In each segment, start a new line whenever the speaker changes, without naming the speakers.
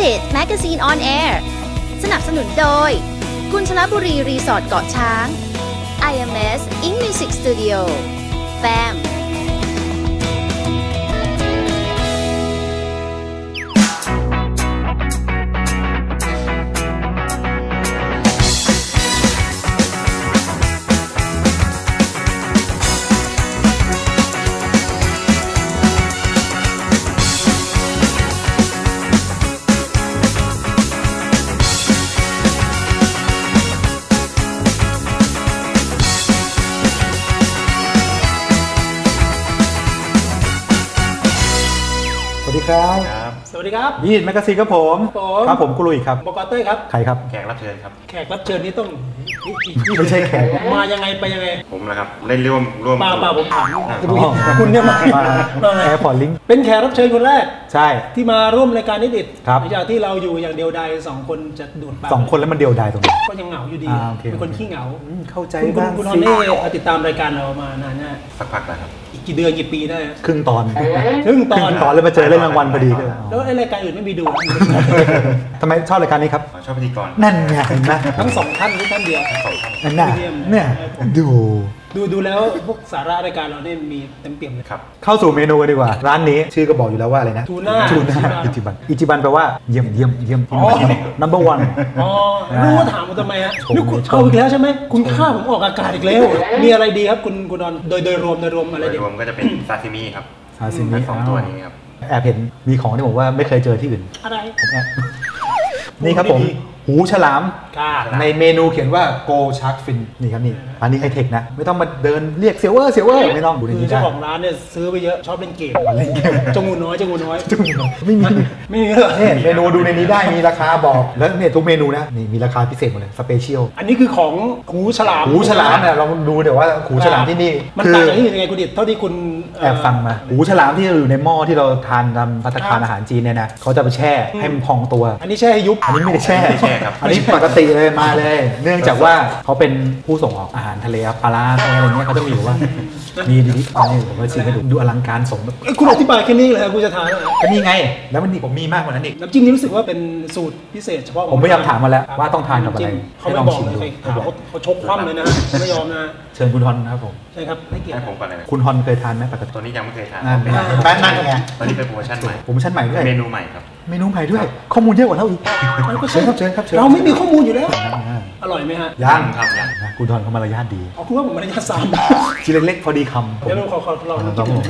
Candidate Magazine on Air สนับสนุนโดยกุญชลบุรีรีสอร์ทเกาะช้าง IMS Ink Music Studio FAM
สวัสดีครับ
ยีนแมกกาซีนครับผมครับผมกุลุยครับ
บก.เต้ยครับ
ใครครับ
แขกรับเชิญครับ
แขกรับเชิญนี่ต้อง
ไม่ใช่แขก
มายังไงไปยังไง
ผมนะครับเล่นร่วม
เปล่าผมถามคุณเนี่ยมา
แอร์พอร์ตลิง
เป็นแขกรับเชิญคนแรก
ใช่
ที่มาร่วมรายการนิดิต
ห
ลังจากที่เราอยู่อย่างเดียวดาย2คนจะดูดปาก
2คนแล้วมันเดียวดายตรงนี้
ก็ยังเหงาอยู่ดีเป็นคนขี้เหงา
เข้าใจบ้าง
คุณฮอนนี่ติดตามรายการเรามานานเนี่ย
สักพักแล้วครับ
อีกกี่เดือนกี่ปีได้
ครึ่งตอน
เลย
มาเจอเรื่องรางวัลพอดี
แล้วไอ้รายการอื่นไม่มีดู
ทำไมชอบรายการนี้ครับ
ชอบพิธีกร
นั่นไงเห็นไหม
ทั้ง2ท่านหรือท่านเดียว
นั่นน่ะเนี่ย
ดูแล้วพวกสาระรายการเราเนี่ยมีเต็มเปี่ยมเลย
ครับ
เข้าสู่เมนูกันดีกว่าร้านนี้ชื่อก็บอกอยู่แล้วว่าอะไรนะ
ทูน่า
อิจิบันแปลว่าเยี่ยมnumber one
อ๋อรู้ว่าถามมาทำไมฮะนี่คุณเอาอีกแล้วใช่ไหมคุณฆ่าผมออกอากาศอีกแล้วมีอะไรดีครับคุณดอนโดยรวมอะไรดี
รวมก็จะเป็นซาซิมิครับ
ซาซิมิ
2ตัวนี้ครับ
แอบเห็นมีของที่ผมว่าไม่เคยเจอที่อื่น
อะไร
ผมแอบนี่ครับผมหูฉลามในเมนูเขียนว่า Go Shark Fin นี่ครับนี่อันนี้ไฮเทคนะไม่ต้องมาเดินเรียกเซียวเวอร์ไม่ต้องดูในนี้
เจ้าของร้านเนี่ยซื้อไปเยอะชอบเล่นเกมจงูน้อย
ไม่มีเนี่ยเมนูดูในนี้ได้มีราคาบอกแล้วเนี่ยทุกเมนูนะนี่มีราคาพิเศษหมดเลยสเปเชียล
อันนี้คือของหูฉลาม
เนี่ยลองดูเดี๋ยวว่าหูฉลามที่นี่
มันต่างจากที่อื่นยังไงคุณดิษเท่าที่คุณ
แอบฟังมาหูฉลามที่อยู่ในหม้อที่เราทานตามภัตตาคารอาหารจีนเนี่ยนะเขาจะไปแช่ให้มันพองตัว
อันนี้แช่ให้ยุบ
อันนี้ไม่ได้แช่ครับอันนี้ปกติเลยมาเลยเนื่องจากว่าเขาเป็นผู้ส่งออกอาหารทะเลปลาอะไรเงี้ยเขาจะมีอยู่ว่ามีดีนี่ผมก็ชิมให้ดูอลังการสม
คุณอธิบายแค่นี้เลยคุณจะทาน
ก็นี่ไงแล้วมันนี่ผมมีมากกว่านั้นอีก
น้ำจิ้มนี้รู้สึกว่าเป็นสูตรพิเศษเฉพาะ
ผมพยายามถามมาแล้วว่าต้องทานกับอะไร
เขาไม่บอกเลยเขาชกคว่ำเลยนะไม่ยอมนะ
เชิญคุณฮอนครับผม
ใช่ครับให้เกียรติ
ผมก่อนเลย
คุณฮอนเคยทานไหมปกติ
ตัวนี้ยังไม่เคยทาน
นั่นไง
ตอนนี้เป็นโปรโมชั่นใหม่
ด้วย
เมนูใหม่ครับ
เมนูใหม่ด้วยข้อมูลเยอะกว่าเราอีกเชิญครับ
เราไม่มีข้อมูลอยู่แล้วอร่อยไหมฮะ
ยังครับคุณฮอนเขามารยาทดี
คุณว่าผมมารยาท3
ชิ้นเล็กๆพอดีคำ
เดี๋ยวเราขอลองกินคุณฮ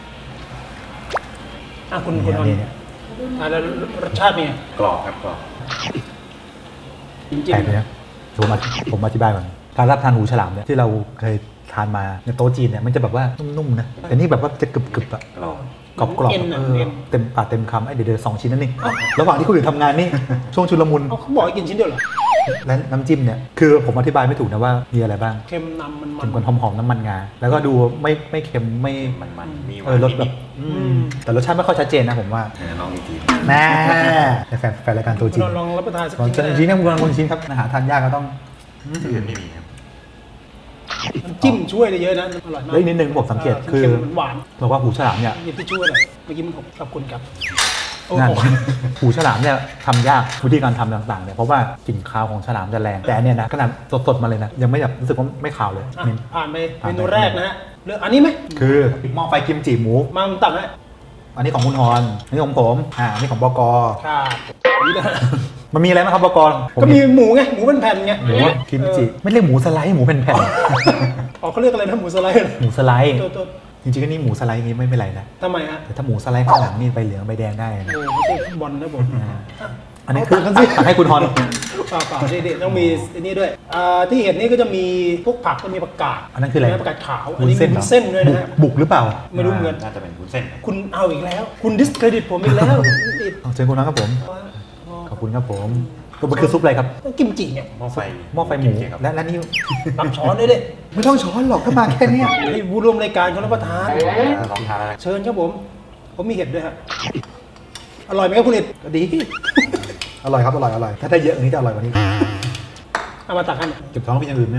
อนแล้วรสชาติเป็นไง
กรอบครับกรอบ
จริงๆ
นะผมอธิบายก่อนการรับทานหูฉลามเนี่ยที่เราเคยทานมาในโต๊ะจีนเนี่ยมันจะแบบว่านุ่มๆนะแต่นี่แบบว่าจะกรึบๆอะกรอบเต็มปากเต็มคำเดี๋ยว2 ชิ้นนั่นนี่ระหว่างที่คุณอยู่ทำงานนี่ช่วงชุลมุน
เขาบอกให้กินชิ้นเดียวเหรอ
และน้ำจิ้มเนี่ยคือผมอธิบายไม่ถูกนะว่ามีอะไรบ้าง
เค็มนำ
มันหอมน้ำมันงาแล้วก็ดูไม่เค็มไม่
มันมี
รสแบบแต่รสชาติไม่ค่อยชัดเจนนะผมว่า
ลองอีกที
แม่แฟนรายการตัวจริง
ลองรับประทานสัก
ชิ้นนะคุณชิ้นครับอาหารทานยากก็ต้อง
อื่นไม่มีครับ
จิ้มช่วยได้เยอะนะอร่อยมาก
แล้วนิดนึงผมสังเกตคือ
หวาน
บอกว่าหูฉลามเนี่ย
ที่ช่วยเลยเมื่อกี้มันขอบคุณครับ
หูฉลามเนี่ยทำยากวิธีการทำต่างๆเนี่ยเพราะว่ากลิ่นคาวของฉลามจะแรงแต่เนี่ยนะขนาดสดๆมาเลยนะยังไม่แบบรู้สึกว่าไม่คาวเลย
ผ่านไปเมนูแรกนะฮะเลือกอันนี้ไหม
คือหม้อไฟกิมจิหมู
มาตักนะ
อันนี้ของคุณฮอนอันนี้ของผมอันนี้ของบก.
ครับ
มันมีอะไรไหมครับบก.
ก็มีหมูไงหมูเป็นแผ่นไง
หมูกิมจิไม่เรียกหมูสไลด์หมูเป็นแผ่น
อ๋อเขาเรียกอะไรนะหมูสไลด์
หมูสไลด์จริงๆก็นี่หมูสไลด์นี้ไม่เป็นไรนะ
ทำไมฮะ
แต่ถ้าหมูสไลด์ข้างหลังนี่ใบเหลืองใบแดงได้
นะไม่ใช่บอลนะบอล
อันนี้คือให้คุณฮอน
เปล่าเด็ดต้องมีนี่ด้วยที่เห็นนี่ก็จะมีพวกผักก็มีผักกาด
อันนั้นคืออะไร
ผักกาดขาวอันนี้มีเส้นด้วยนะ
บุกหรือเปล่า
ไม่รู้เหมือน
น่าจะเป็นวุ้นเส้น
คุณเอาอีกแล้วคุณดิสเครดิตผมอีกแล้ว
เชิญคุณน้องครับผมขอบคุณครับผมมันคือซุปอะไรครับ
กิมจิเนี่ย
หม้อไฟหมูและนี่
รับช้อนด้วยดิ
ไม่ต้องช้อนหรอกถ้ามาแค่นี้
ให้ผู้ร่วมรายการเขารับประทาน
ลองทาน
เชิญครับผมมีเห็ดด้วยฮะอร่อยไหมครับคุณเห็ด
ดีอร่อยครับอร่อยถ้าได้เยอะอันนี้จะอร่อยกว่านี้
เอามาตักให้
เก็บท้องเป็นอย่างอื่นไหม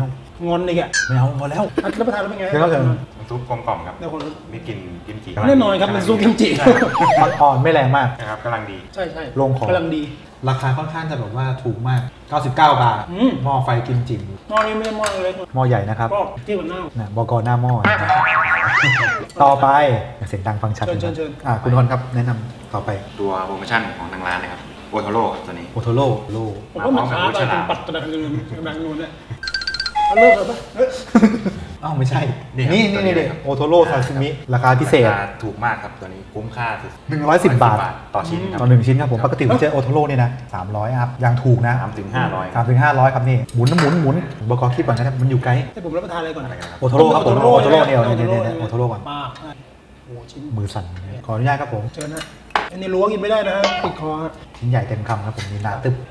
งอนอีกอ่ะ
ไม่เอาพอแล้ว
รับประทานแล้วเป็นไง
แล้วเชิญ
น้ำซุปกลมกล่อมครับ
ได้คนละ
มีกลิ่นกิมจิ
แน่นอนครับมันซุปกิมจิ
อ่อนไม่แรงมาก
นะครับกำลังดี
ใช่ใช่
ลงคอ
กำลังดี
ราคาค่อนข้างจะแบบว่าถูกมาก 99 บาท หม้อไฟกิมจิ
หม้อนี้ไม่ได้หม้อเล็ก
หม้อใหญ่นะครับ
ก็ที่มันหน้า
นะบกหน้าหม้อต่อไปเสียงดังฟังชัด
เชิญ
คุณคนครับแนะนำต่อไป
ตัวโปรโมชั่นของทางร้านนะครับโอโทโร่ตัวนี้
โอโทโร่โล
ผมว่ามันช้าไปเป็นปัดตะดังเงินกำลังนูนเนี่ยเอาเลิกเลยปะ
อ้าวไม่ใช่
นี่
นี่
ครับ
นี่
ตัวนี้
นี่
ครับ
โอโทโร่ซาซิมิราคาพิเศษ
ราคาถูกมากครับตัวนี้คุ้มค่าสุด
110 บาท
ต่อชิ้นครับ
ต่อ1ชิ้นครับผมปกติผมเจอโอโทโร่เนี่ยนะ300ครับยังถูกนะ
3 ถึง 500
3 ถึง 500ครับนี่หมุนบกคิดก่อนนะครับมันอยู่ไกล
ให้ผมรับประทานอะไรก่อน
อะไรกันครับ
โอโทโร่ครับผมโอโทโร่เนี่ยโอโทโร่ก่อน
ป้าโอ้ชิ้น
มือสั่นขออนุญาตครับผม
เชิญนะอันนี้ล้วงกินไม่ได้นะติดคอ
ชิ้นใหญ่เต็มคำครับผมมีหนาตึบ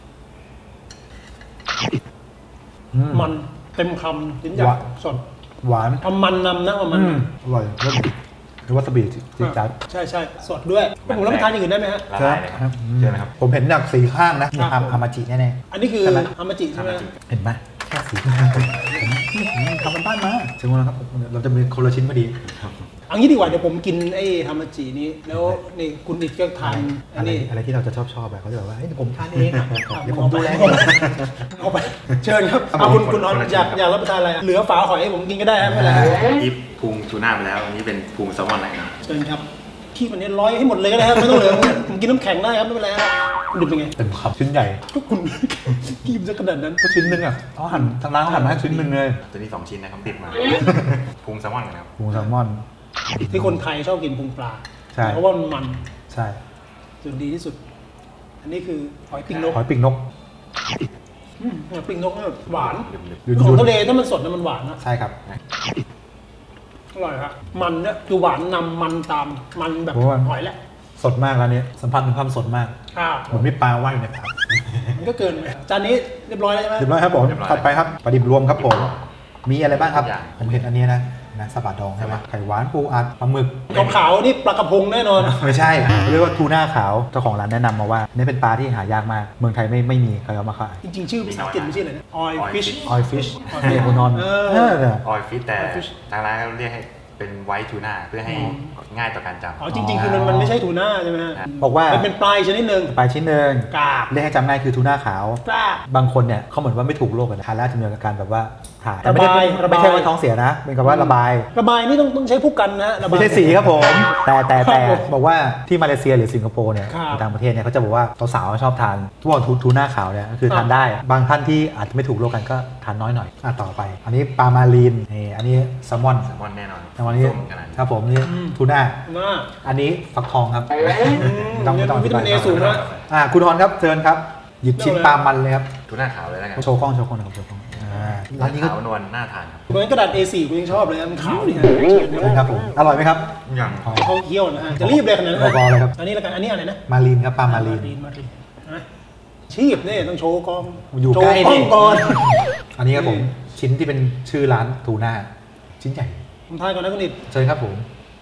มันเต็มคำชิ้นใหญ่
หวาน
สด
หวาน
ทำมันนำนะว่ามัน
อร่อยรสดีหรือว่าสบีจิ๊ดจัด
ใช่ใช่สดด้วยผมรับประทานอย่างอื่นได้ไหมฮะ
ละลายเลยครับเชิญนะครับ
ผมเห็นจากสีข้างนะมี
ครับ
ฮามาจิแน่
อันนี้คือ
ใช่ไหม
ฮามาจิใช่ไหม
ๆเห็นไหมแค่สีข้างผมทำมันบ้านมาถึงวันแล้วครับเราจะมีคนละชิ้นพอดี
เอางี้ดีกว่าเดี๋ยวผมกินไอ้ฮามาจินี้แล้วนี่คุณอิดก็ทานอั
อะ
น
ไร
นี้
อะไรที่เราจะชอบแบบเขาจะแบบว่าเฮ้ยผมทานเองเดี๋ยวผมดูแล
เอาไปเชิญครับเอาคุณนอนอยากรับประทานอะไรเหลือฝาหอยให้ผมกินก็ได้ครับไม่เป็นไร
อีฟพุงทูน่าไปแล้วอันนี้เป็นพุงแซลมอนนะครับ
เชิญครับขี้มันนี้ร้อยให้หมดเลยก็ได้ครับไม่ต้องเหลือผมกินน้ำแข็งได้ครับไม่เป็นไรครับคุณดิบเป็นไง
เต็มคำชิ้นใหญ่
ก็คุณกินซะขนาดนั้น
ก็ชิ้นหนึงอ่ะเขาหั่นทางร้านเขาหั่นมาให้ชิ้นหนึงเลย
ตัวนี้2 ชิ้นนะครับติดมาพุงแซลมอนนะครับ
หมูแซลมอน
ที่คนไทยชอบกินพุงปลา
ใช่
เพราะว่ามัน
ใช่
ส่วนดีที่สุด อันนี้คือหอยปิงนก
หอยปีกนก
หอยปิงนกเนี่ยหวาน
ยุ่น
ของทะเลถ้ามันสดนะมันหวานนะ
ใช่ครับ
อร่อยครับมันเนี่ยคือหวานนำมันตามมันแบบ
เพราะว่า
หอยแหละ
สดมากร้านนี้สัมผัสถึงความสดมาก
ครับ
เหมือนมีปลาว่ายอยู่ในผัก
มันก็เกินไปจานนี้เรียบร้อยแล้วใช่ไหม
เรียบร้อยครับผมถัดไปครับปลาดิบรวมครับผมมีอะไรบ้างครับ
ทุกอย่าง
ผมเห็นอันนี้นะสลัดดองใช่ไหมไข่หวานปูอัดปลาหมึก
ขาวๆนี่ปลากระพงแน่นอน
ไม่ใช่เรียกว่าทูน่าขาวเจ้าของร้านแนะนำมาว่านี่เป็นปลาที่หายากมากเมืองไทยไม่มีใครเอามาขาย
จริงๆ ชื่อภาษาอังกฤษไม่ใช่เลยนะ oil fish
ออยฟิชเรียกนอน
เออ
ออยฟิตแต่
Oil fish
ทางร้านเขาเรียกให้เป็นไวท์ทูน่าเพื่อให้ง่ายต่อการจำ
อ๋อจริงๆ คือมันไม่ใช่ทูน่าใช่ไหมฮะ
บอกว่า
มันเป็นปลายชนิดหนึ่ง
ปลาชิ้นหนึ่ง
กาบ
เรียกให้จำง่ายคือทูน่าขาว
กาบ
บางคนเนี่ยเขาเหมือนว่าไม่ถูกโรคกันทานแล้วจะมีอาการแบบว่าถ่าย
ระบาย
ไม่ใช่ว่าท้องเสียนะเป็นกับว่าระบาย
ระบายนี่ต้องใช้ผู้กันนะระบาย
ไม่ใช่สีครับผมแต่
ครับผม
บอกว่าที่มาเลเซียหรือสิงคโปร์เนี่ย
ครับ
ในต่างประเทศเนี่ยเขาจะบอกว่าสาวๆชอบทานทุกวันทูน่าขาวเนี่ยก็คือทานได้บางท่านที่อาจจะไม่ถูกโรคกันก็ทานน้อยหน่อยต่อไป อันนี้ปลามารีนนี่อันนี้แซลมอน
แซลมอนแน่นอน
แซลมอนนี่
ส้มขนาดนี้
ครับผมนี่ทูน่า
น่า
อันนี้ฟักทองครับ
เนี่ยวิตามินเอสูงนะ
คุณฮอนครับเชิญครับหยิบชิ้นปลามันเลยครับ
ทูน่าขาวเลยแล้วกัน
โชว์กล้องนะครับโชว์กล้องร้านนี้ก็
ขาวนวลน่าทานครับ
เหมือนกระดาษ A4 กูยังชอบเลยนะมันขาวนี่ฮะ
เชิญครับผมอร่อยไหมครับ
ยัง
เขาเคี่ยวนะฮะจะรีบเลยขนาดนั้น
พอๆเลยครับ
อันนี้แล้วกันอันนี้อะไรนะ
มารีนครับปลามารีน
มารีนนะชีพนี่ต้องโชว์กล้อง
อยู่
โช
ใกล้
ว์กล้อง
นี่
ก่อน
อันนี้ครับผมชิ้นที่เป็นชื่อร้านทูน่าชิ้นใหญ่
ผมทายก่อนนะคุณนิด
เชิญครับผม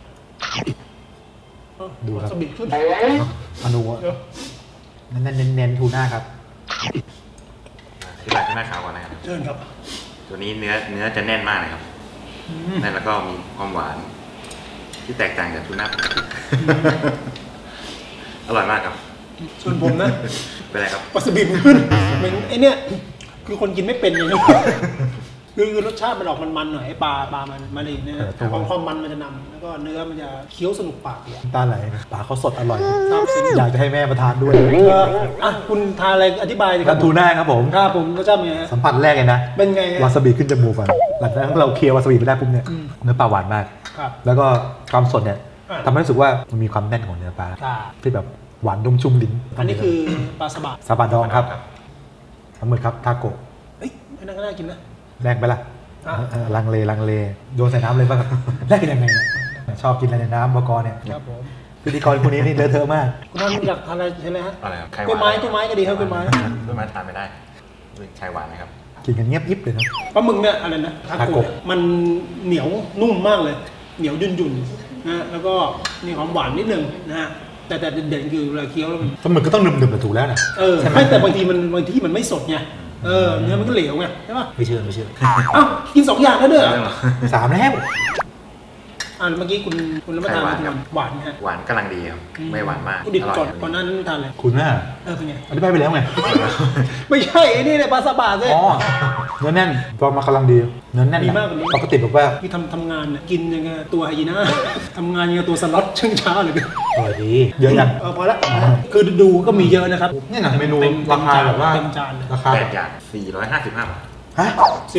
ดูครับ
สบิดขึ้น
อนุเน้นทูน่าครับ
ที่ร้านทูน่าขาวก่อนนะครับ
เชิญครับ
ตัวนี้เนื้อจะแน่นมากนะครับแน่นแล้วก็มีความหวาน ที่แตกต่างจากทูน่าปกติอร่อยมากครับ
ส่วนผมนะ
เป็นไรครับ
ปลาสบิดขึ้นเหมือนไอเนี้ยคือคนกินไม่เป็นอย่างนี้คือรสชาติมันออกมันๆหน่อยไอปลามันมาเลยเนี่ยความมันมันจะนำแล้วก็เนื้อมันจะเคี้ยวสนุกปากเลย
ตาไหลปลาเขาสดอร่อย
ซาบซึ้ง
อยากจะให้แม่มาทานด้วย
อ่ะคุณทานอะไรอธิบายสิค
กั
รั
นทูน่าครับผม
ครับผมรสชาติเป็นไงฮะ
สัมผัสแรกเลยนะ
เป็นไงฮะ
วาซาบิขึ้นจมูกก่อนหลังจากนั้นเราเคี้ยววาซาบิไปได้ปุ๊บเนี่ยเนื้อปลาหวานมาก
ครับ
แล้วก็ความสดเนี่ย
อ่า
ทำให้รู้สึกว่ามันมีความแน่นของเนื้อปลา
ครับ
ที่แบบหวานนุ่มชุ่มลิ้น
อันนี้คือปลาสบะ
ซาบะดองครับปลาหมึกครับทาโกะ
เฮ้ยไม่น่ากินนะ
แรกไปละ
อ่ะ
ลังเลโยนใส่น้ำเลยป่ะครับ แรกยังไงเนี่ยชอบกินอะไรในน้ำบกเนี่ย
ครับผม
พิธีกรคนนี้นี่เลอะเทอะมาก
คุณท่านอยากทานอะไรใช่ไหมฮะ
อะไรครับไข่ห
กล้ว
วาย น
ไม้ก็ดีครับกล้วยไม้
กล้วยไม้ทานไม่ได้ไข่หวานนะครับ
กินกันเงียบยิบเลยนะ
ปลาหมึกเนี่ยอะไรนะทา
ทา
โกะ
โกะ
มันเหนียวนุ่มมากเลย เหนียวยุ่นๆนะแล้วก็มีความหวานนิดนึงนะฮะแต่เด่นๆคือเวลาเคี้ยวแล้วมัน
ปลาหมึกก็ต้องหนึบๆแต่ถูกแล้วนะ
ไม่แต่บางทีมันไม่สดไงเนื้อมันก็เหลวไงใช่ป่ะ
ไม่เชื่อ
อ้าวกิน2อย่างแล้วเด้อ
3แล้ว
เมื่อกี้คุณรับประทานอะไรหวานฮะ
หวานกำลังดีครับไม่หวานมาก
คุณดิบ
อร่อย
ก่อนหน้านั้นทานอะไร
คุณน่ะ
เป็นไง
อธิบายไปแล้วไง
ไม่ใช่ไอ้นี่เนี่ยปลาซาบะเลย
อ๋อเนื้อแน่นตัวมากำลังดีเนื้อแน่น
ดีมากกว่านี้
ปกติบอกว่า
ที่ทำงานเนี่ยกินยังไงตัวไฮยีน่า ทำงานยังไงตัวสล็อตเชิงช้าเลย
อร่อยดีเยอะยัง
พอละคือดูก็มีเยอะนะครับ
นี่นะเมนูราคาแบบว่า
เต็มจานเลย
ราคา
แป
แบ
ด
บ
อย่าง455 บาท
ฮะ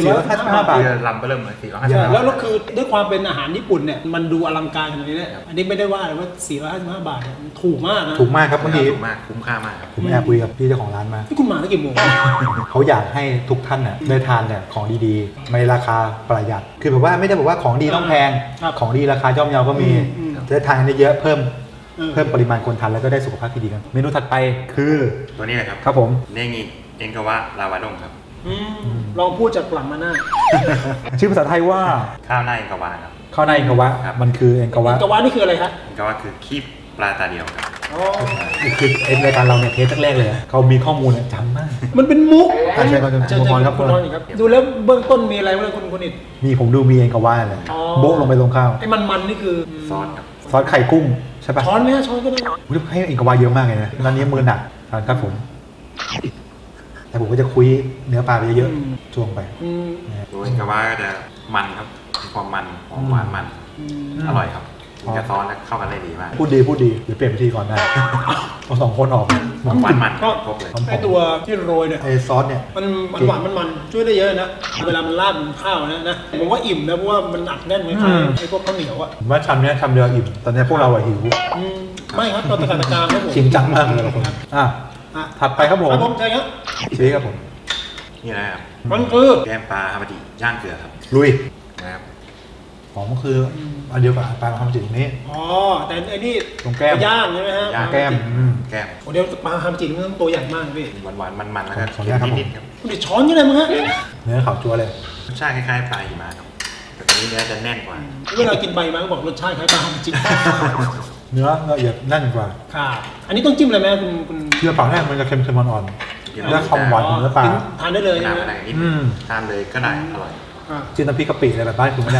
455 บาท
ที่ลำก็เริ่มเลย455
ใช่
บาท
แล้วคือด้วยความเป็นอาหารญี่ปุ่นเนี่ยมันดูอลังการขนาดนี้เนี่ยอันนี้ไม่ได้ว่าเลยว่า455 บาทเนี่ยมันถูกมากนะ
ถูกมากครับเมื่อกี้
ถูกมากคุ้มค่ามากครับ
ผมแอบคุยกับพี่เจ้าของร้านมา
ที่คุณมาตั้งกี่โมง
เขาอยากให้ทุกท่านน่ะได้ทานเนี่ยของดีๆในราคาประหยัดคือแบบว่าไม่ได้บอกว่าของดีต้องแพง
ครับ
ของดีราคาย่อมเยาก็มี
อืม
จะได้ทานได้เยอะเพิ่ม
เออ
เพิ่มปริมาณคนทานแล้วก็ได้สุขภาพที่ดีกันเมนูถัดไปคือ
ตัวนี้นะครับ
ครับผม
เนงิเอ็นกาวะลาวาดงครับ
ลองพูดจากหลังมาหน้า
ชื่อภาษาไทยว่า
ข้าวหน้าเอ็นกาวะครับ
ข้าวหน้าเอ็นกาวะ
ครับ
มันคือเอ็นกาวะ
กะวานี่คืออะไรครับ
เอ็นกาวะคือคีบปลาตาเดียวครับ
อ๋อ
คือเอ็นรายการเราเนี่ยเทสแรกๆเลยอะเขามีข้อมูลเนี่ยจำมาก
มันเป็นมุก
ใช่ครับ
เชิญ
คุณพรครับ
คุณพรอีกครับดูแล้วเบื้องต้นมีอะไรบ้างคุณอิด
มีผมดูมีเอ็นกาวะเลย
อ๋อ
โบ๊ะลงไปตรงข้าว
ไอ้มันนี่คือ
ซอสครับ
ซอสไข่กุ้งใช่ปะ
ช้อนไหมฮะช้อนก็ได้
อุ๊ยให้เอ็นกาวะเยอะมากเลยนะร้านนี้มือหนักทานครับผม แต่ผมก็จะคุยเนื้อปลาไปเยอะๆช่วงไป
อืม
ตัวเอ็นกาวะก็จะมันครับมีความมันหอมหวานมัน อร่อยครับกินกับซอสแล้วเข้ากันได้ดีมาก
พูดดีเดี๋ยวเปลี่ยนวิธีก่อนได้เอา2 คนออก
หวานมันครบเลย
ไอ้ตัวที่โรยเนี่ย
ไอ้ซอสเนี่ย
มันหวานมันช่วยได้เยอะนะเวลามันราดบนข้าวนะผมว่าอิ่มนะเพราะว่ามันอัดแน่นเหมือนไอ้พวกข้าวเหนียวอ่ะ
ผมว่าชามเนี้ยชามเดียวอิ่มตอนนี้พวกเราอะหิว
ไม่ครับตอนตะการครับผม
จริงจังมากเลยเราคนถัดไปครับผม
ครับผมใช่ครับ
ชี้ครับผม
นี่นะครับ
มันคือ
แกงปลาฮามาจิย่างเกลือครับ
ลุย
นะครับ
ของมันคืออันเดียวกับปลาทำจิตตรงนี้
อ๋อแต่ไอ้นี่
ตรงแก้ม
ย่างใช่ไหมฮะ
แก้ม
แก้ม
โอ้เดี๋ยวปลาฮามจิมันต้องตัวใหญ่มากพี่
หวานมันๆแล้วก็
ขออนุญาตครับผม
นิดๆครับ
คุณดิช้อนยังไงมั้งฮะ
เนื้อขาวจั๊วเลย
รสชาติคล้ายๆปลาหิมะครับแต่ตัวนี้เนื้อจะแน่นกว่า
เวลากินใบมาก็บอกรสชาติคล้ายปลาฮามจิ
เนื้อละเอียดแน่นกว่า
ค่ะอันนี้ต้องจิ้มอะไรไหมคุณ
เชื่อเปล่าแรกมันจะเค็มๆอ่อนๆและความหวานของเนื้อปลา
ทานได้เลย
ไม่
ใช่
นาน
ไหม
อะไรนิด
อืม
ทานเลยก็ได้อร่อย
จิ้มน้ำพริกกะปิอะไรแบบบ้านคุณไม่ได้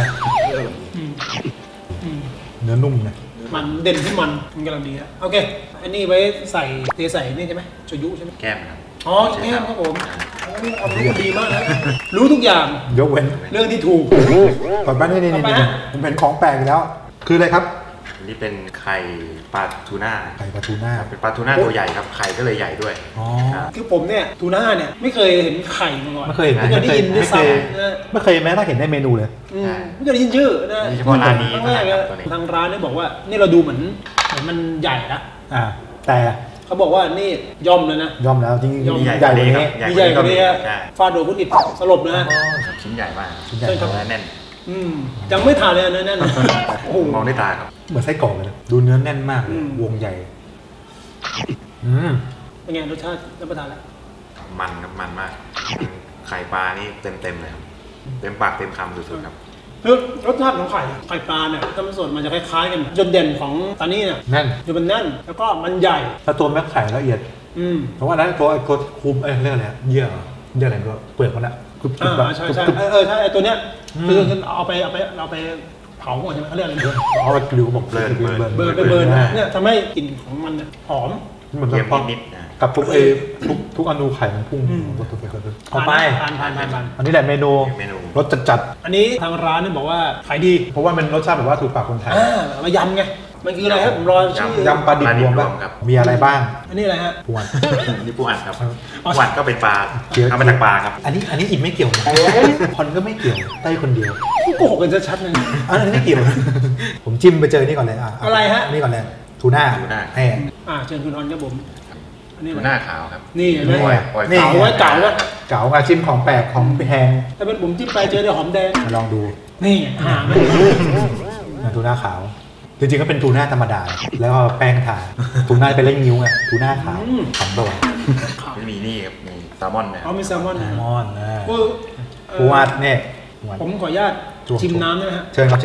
เนื้อนุ่มนะ
มันเด่นที่มันกำลังดีนะโอเค อันนี้ไว้ใส่ใส่นี่ใช่ไหมโชยุใช่ไหม
แก้มครับ
อ๋อแก้มครับผมโอ้นี่ความรู้ดีมากนะรู้ทุกอย่าง
ยกเว้น
เรื่องที่ถูก
ก่อนบ้านนี่
ต่อไปฮะ
ผมเห็นของแปลกอีกแล้ว คืออะไรครับ
อันนี้เป็นไข่ปลาทูน่า
ไข่ปลาทูน่า
เป็นปลาทูน่าตัวใหญ่ครับไข่ก็เลยใหญ่ด้วย
อ๋อ
ครับ
คือผมเนี่ยทูน่าเนี่ยไม่เคยเห็นไข่มาก่อน
ไม่เคยเห็น
ไม่เคยได้ยินด้วยซ้ำนะ
ไม่เคยแม้ถ้าเห็นในเมนูเลย
ไม่เคยได้ยินชื่อนะ
มีเฉพาะร้านนี้
ครั้ง
เท่า
แร
นั้
ก
น
เล
ครับ
ย
ตัวนี้
ทางร้านเนี่ยบอกว่านี่เราดูเหมือนมันใหญ่นะ
แต่
เขาบอกว่านี่ย่อมเลยนะ
ยอมแล้วจริง
ยอม
ๆใหญ่กว่านี้
มีใหญ่กว่านี้
ใช่
ฟาดโดนคุณอิดสลบนะ
ชิ้นใหญ่มาก
ชิ้นใหญ่
ใช่ครับ
เนื้อแน่น
ยังไม่ทานเลยนะแน่นอนโอ้โห
มองด้วยตาครับ
เหมือนไส้กรอกเลยนะดูเนื้อแน่นมากเลย วงใหญ่
เป็นไงรสชาติรับประทานแล้ว
มันครับมันมาก ไข่ปลานี่เต็มเลยครับ เต็มปากเต็มคำสุดๆครับ
คือรสชาติของไข่ปลาเนี่ยถ้ามันสดมันจะคล้ายๆกันจุดเด่นของตานี่เนี่ย
แน่น
จะเป็นแน่นแล้วก็มันใหญ่
ถ้าตัวแม่ไข่ละเอียด เพราะว่านั้นตัวคุมเรียกอะไรเยื่ออะไรก็เปลือกมันอะกรุบๆแบบ
ใช่ใช่ใช่ไอตัวเนี้ยคือเอาไปเผาหมดใช่ไหมเขาเรียกอะไร
เอาไปกลิวบอก
เบิร์นเนี่ยทำให้กลิ่นของมันเนี่ยหอม
เหมือน
เค็ม
กับ
นิดๆนะ
กับทุกอนูไข่มันพุ่งต่อไป
ทาน
อันนี้แหละเมนู
เมนู
รสจัด
อันนี้ทางร้านเนี่ยบอกว่าขายดี
ๆเพราะว่ามันรสชาติแบบว่าถูกปากคนไทย
มายำไงมันคืออะไรครับผมรอชื่อย
ำปลาดิบรวมป่ะมีอะไรบ้าง
อันนี้อะไรฮะ
ปวน
นี่ปูอัดครับปูอัดก็เป็นปลาทำมาจากปลาครับ
อันนี้อิ่มไม่เกี่ยวนะพอนก็ไม่เกี่ยวใต้คนเดียว
โกหกกันชัดๆเลย
อันนี้ไม่เกี่ยว ผมจิ้มไปเจอนี่ก่อนเลย
อะไรฮะ
นี่ก่อนเลยทูน่าแห้ง
เชิญคุณนอนครับผมอันนี้
ทูน่าขาวครับ
นี่เห็นไหม
ปล่อย
นี่
เก๋าไว้เก๋าไว้
เก๋ามาชิมของแปลกของแพง
ถ้าเป็นผมจิ้มไปเจอแต่หอมแดง
มาลองดู
นี่หาไม่
ทูน่าขาว จริงๆก็เป็นทูน่าธรรมดา แล้วก็แป้งทาทูน่าเป็นเล่งนิ้วไงทูน่าขาวขำตัว
ไม่มีนี่ครับมีแซลมอนนะค
เอา
รับ
มีแซลมอน
แซ
นะ
ลมอนนะ
ปู
ปูอัดเนี่ย
ผมขออนุญาตชิมน้ำได้ไหมฮะ
เชิญครับเชิญ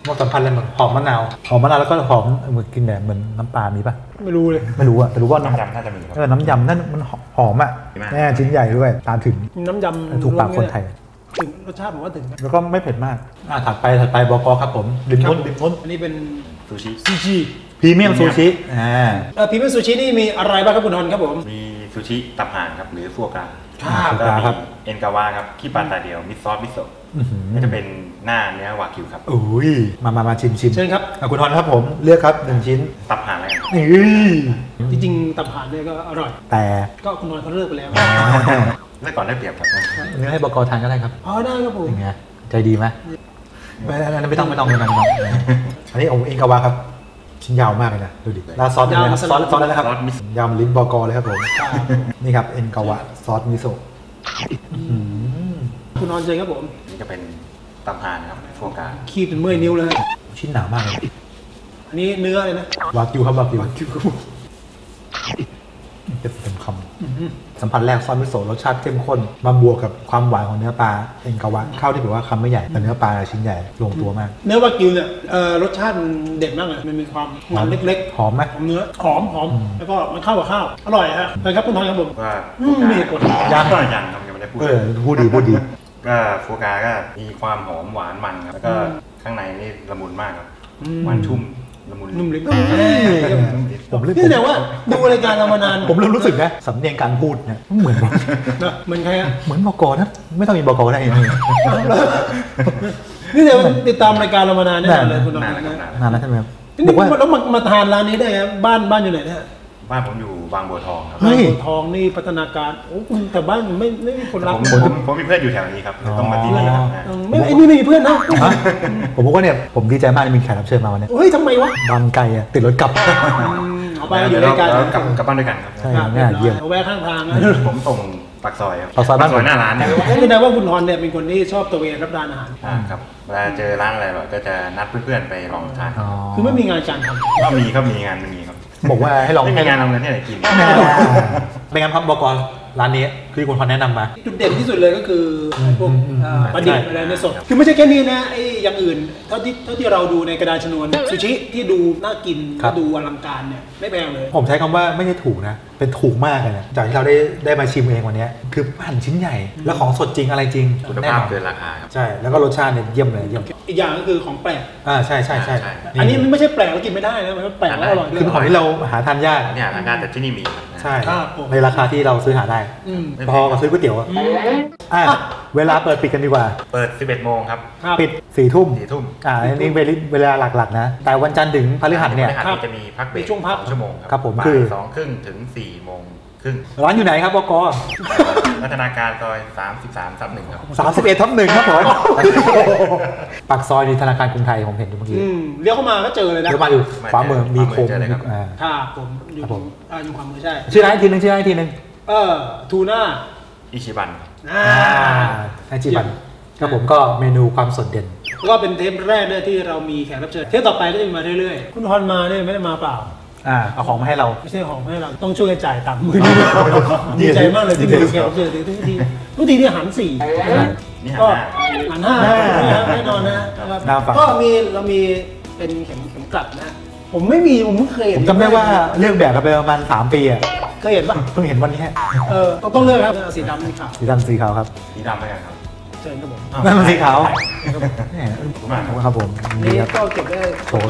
มันสัมพันธ์อะไรมันหอมมะนาวแล้วก็หอมเหมือนกินแบบเหมือนน้ำปลามีป่ะ
ไม่รู้เลย
ไม่รู้อะแต่รู้ว่า
น้ำยำน่าจะมีครับ
น้ำยำนั่นมันหอมอะแน่ชิ้นใหญ่ด้วยตามถึง
น้ำยำ
ถูกปากคนไทย
ถึงรสชาติผมว่าถึงนะ
แล้วก็ไม่เผ็ดมากถัดไปบก.ครับผมริมน้น
อันนี้เป็น
ซูชิ
ซูชิ
พรีเมียมซูชิ
พรีเมียมซูชินี่มีอะไรบ้างครับคุณทอนครับผม
มีซูชิตับห่านครับหรือฟัวกรา
ครับ
แล้วก็มีเอ็นกาวาครับขี้ปลาตาเดียวมิซอสมิโซะก็จะเป็นหน้าเนื้อวากิวครับ
อุ้ยมาชิม
เชิญครับ
คุณทอนครับผมเลือกครับ1ชิ้น
ตับห่านอะไรครับ
จริงๆตับห่านเนี่ยก็อร่อย
แต่
ก็คุณทอนเขาเลิกไปแล้ว
เมื่อก่อนได้เปรียบครับ
เนื้อให้บก.ทานก็ได้ครับ
อ๋อได้ครับผม
ยังไงใจดีไหมไม่ต้องอันนี้เอ็นกาวาครับชิ้นยาวมากเลยนะดูดิแล้วซอสอะไรครับซอสอะไรนะครับยำลิ้นบก.เลยครับผมนี่ครับเอ็นกาวะซอสมิโซะ
คุณทอนเชิญครับผม
นี่จะเป็นตับห่านครับฟัวกรา
คีบเป็นเมื่อยนิ้วเลย
ชิ้นหนามากเลย
อันนี้เนื้อเลยนะ
วากิวครับวากิวเต็มคำสัมผัสแรกซอสมิโซะรสชาติเข้มข้นมาบวกกับความหวานของเนื้อปลาเอ็นกาวะข้าวที่แบบว่าคำไม่ใหญ่แต่เนื้อปลาชิ้นใหญ่ลงตัวมาก
เนื้อวากิวเนี่ยรสชาติมันเด็ดมากเลยมันมีความมันเล็กๆ
หอมไหม
หอมเนื้อหอมแล้วก็มันเข้ากับข้าวอร่อยฮะเลยครับคุณทอนครับผม
ว่า
มีเหตุผล
ยังครับยังไม่ได้พูด
พูดดี
ก็ฟัวกราก็มีความหอมหวานมันครับแล้วก็ข้างในนี่ละมุนมากครับหวานชุ่มละมุน
นุ่มลิ้น
ผมเริ่ม
นี่แสดงว่าดูรายการเรามานาน
ผมเริ่มรู้สึกนะสำเนียงการพูดเนี่ยเหมือน
นะเหมือนใครอะ
เหมือนบก.นะไม่ต้องมีบก.ได้ยังไง
นี่เดี๋ยวติดตามรายการเรามานานแน่เลยคุณทอน
นานแล้ว
นะ
นานแล้วใช่ไหมครับ
นี่
บอกว่า
แล้วมาทานร้านนี้ได้ครับบ้านอยู่ไหนเนี่ย
บ้านผมอยู่บางบัวทองครับ
เฮ้ย
บางบัวทองนี่พัฒนาการโอ้แต่บ้านไม่มีคนรัก
ผมมีเพื่อนอยู่แถวนี้ครับต้องมาที่นี่ครับ
ไม่ไอ้นี่ไม่มีเพื่อนนะ
ผมบอกว่าเนี่ยผมดีใจมากที่มีแขกรับเชิญมาวันนี้
เฮ้ยทำไมวะ
บางไกลอะติดรถกลับ
เอาไปอยู่ด้วยกัน
กลับบ้านด้วยกันครับ
ใช่น่าเยี่ยม
เอาแวะข้างทางนะ
ผมส่งปากซอยครับ
ปากซอยบ้านผม
หน้าร้านเนี่ย
แสดงว่าคุณทอนเนี่ยเป็นคนที่ชอบตระเวนรับประทานอาหาร
ครับเวลาเจอร้านอะไรแบบก็จะนัดเพื่อนๆไปลองทาน
คือไม่มีงานการทำ
ก็มีครับมีงานมีครับ
บอกว่าให้ลอง
ไม่มีงานเอาเงินที่ไหนกิน
เป็นไงครับบก.ร้านนี้คือคุณพรแนะนำมา
จุดเด่นที่สุดเลยก็คือพวกปลาดิบอะไรในสดคือไม่ใช่แค่นี้นะไอ้อย่างอื่นเท่าที่เราดูในกระดานชนวนซูชิที่ดูน่ากินดูอลังการเนี่ยไม่แพงเลย
ผมใช้คำว่าไม่ใช่ถูกนะเป็นถูกมากเลยนะจากที่เราได้มาชิมเองวันนี้คือหั่นชิ้นใหญ่แล้วของสดจริงอะไรจริง
คุณ
แน่
ภาพ
นอน
เกินราคาครับ
ใช่แล้วก็รสชาติเนี่ยเยี่ยมเลยเยี่ยม
อีกอย่างก็คือของแปลก
ใช่
อันนี้ไม่ใช่แปลกแล้วกินไม่ได้นะมันแปลกแล้วอร่อยด้วย
คือเป็นของที่เราหาทานยาก
เนี่ยทางการแต่ที่นี่มีครับ
ใช่
ครับผม
ในราคาที่เราซื้อหาได้ พอกับซื้อก๋วยเตี๋ยวอะเวลาเปิดปิดกันดีกว่า
เปิด 11 โมงครับ
ปิด4 ทุ่ม
4 ทุ่ม
อันนี้เวลาหลักๆนะแต่วันจันทร์ถึงพฤหัสเนี่ย
พฤหัสจะมีพักเบรก
ช่วงพัก
2 ชั่วโมง
ครับผม
บ่าย
คือ
2 ครึ่งถึง 4 โมงครึ่ง
ร้านอยู่ไหนครับบก.
พัฒนาการซอย 33/1 ครับ
31/1ครับผมปากซอยมีธนาคารกรุงไทยผมเห็นอยู่เมื่อกี้
เลี้ยวเข้ามาก็เจอเลยนะ
เดี๋ยวมาอยู่ขวามือมีโคม
เจอเลยครับ
ครับผมอยู่อยู่ความมือใช่
ชื่อร้านอีกทีนึง
ทูน่า
อิชิบัน
ไอจิบันครับผมก็เมนูความสดเด่น
ก็เป็นเทปแรกเนี่ยที่เรามีแขกรับเชิญเทปต่อไปก็จะมีมาเรื่อยๆคุณทอนมาเนี่ยไม่ได้มาเปล่า
เอาของมาให้เรา
ไม่ใช่ของให้เราต้องช่วยกันจ่ายตังค์ดีใจมากเลยที่มีแขกรับเชิญทุกทีที่หัน4
นี่
ก็
หัน
หัน5แน่นอนนะครับก็เรามีเป็นเข็มกลัดนะผมไม่มีผมเพิ่งเคย
ผ
เห็น
มจำได้ว่าเรื่องแบบกันไปประมาณ3 ปีอ่ะ
เคยเห็นปะ
เพิ่งเห็นวันนี้
ต้องเลือกครับสีดำสีขาว
สีดำสีขาวครับ
สีดำไหมครับ
เชิญครับผม
นั่นมันสีขาว
ขอบคุณมากครับ
ครับผม
นี่
นี่ครับ
ก็เก็บได้
โชว์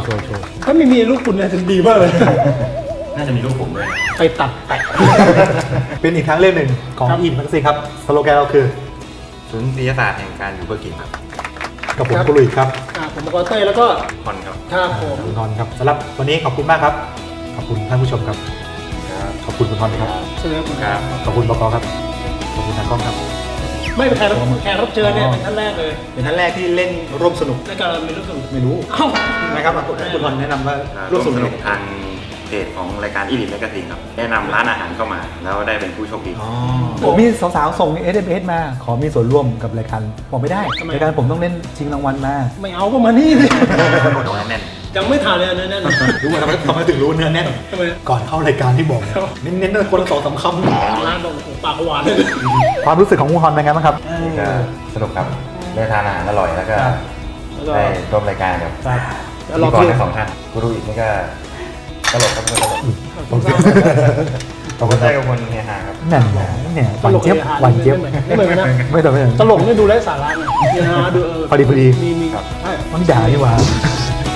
ถ้าไม่มีลูกคุณเนี่ยจะดีมากเลย
น่าจะมีรูปผมด้วย
ไปตัดแปะ
เป็นอีกทางเลือกหนึ่งของ
ครับ
อินแม็กซี่ครับสโลแกนเราคือ
ศูนย์วิทยาศาสตร์แห่งการอยู่เพื่อกินครับ
กับผมกุลุยครับ
ผมบอกเต้ยแล้วก็
คอนครับ
ครับผม
คุณทอนครับสำหรับวันนี้ขอบคุณมากครับขอบคุณท่านผู้ชมครับ
ครับ
ขอบคุณคุณทอนครับ
เชิญครับผม
ครับ
ขอบคุณบก.ครับขอบคุณทางกล้องครับ
ไม่เป็นแขกรับเชิญเนี่ยเป็นท่านแรกเลย
เป็นท่านแรกที่เล่นร่วมสนุก
ในการเรามีลูกสนุก
ไม่รู้
เอ้า
นะครับคุณทอนแนะนำว่าร่
ร่
ว
ว
ม
ม
ส
ส
นุ
นุ
ก
กทางเพจของรายการอีลิทแมกกาซีนครับแนะนำร้านอาหารเข้ามา แล้วได้เป็นผู้โชคดี
ผมมีสาวๆส่ง SMS มาขอมีส่วนร่วมกับรายการบอกไม่ได้รายการผมต้องเล่นชิงรางวัลมา
ไม่เอาก็มานี่สิ
แน่น
ยังไม่ทานเลยอันนั้น
รู้ว่าทำไมถึงรู้เนื้อแน่น
ทำไม
ก่อนเข้ารายการที่บอกเน้นๆคนละ2-3 คำ
ร้านบอกปากหวานเลย
ความรู้สึกของคุณทอนเป็นไงบ้างครับ
ก็สนุกครับได้ทานอาหารอร่อยแล้วก็
แล้วก็
ได้ร่วมรายการกับ
ครับแล้ว
พิ
รอ
ธีกร
คิว
ทั้งสองท่านกูรูอีกนี่ก็ตลกครับตลก
ผมทราบ
ขอบคุณค
ได้
รับ
กับคนเฮฮาครับ
นั่นแหละเนี่ยหวานเจี๊ยบหวานเจี๊ยบ
ไม่เหมือนกันนะ
ไม่ต้องไม่ต้อง
ตลกนี่ดูไร้สาระนะเนี่ยนะดู
พอดี
มี
ครับ
ใช่
มันด่านี่หว่า
ค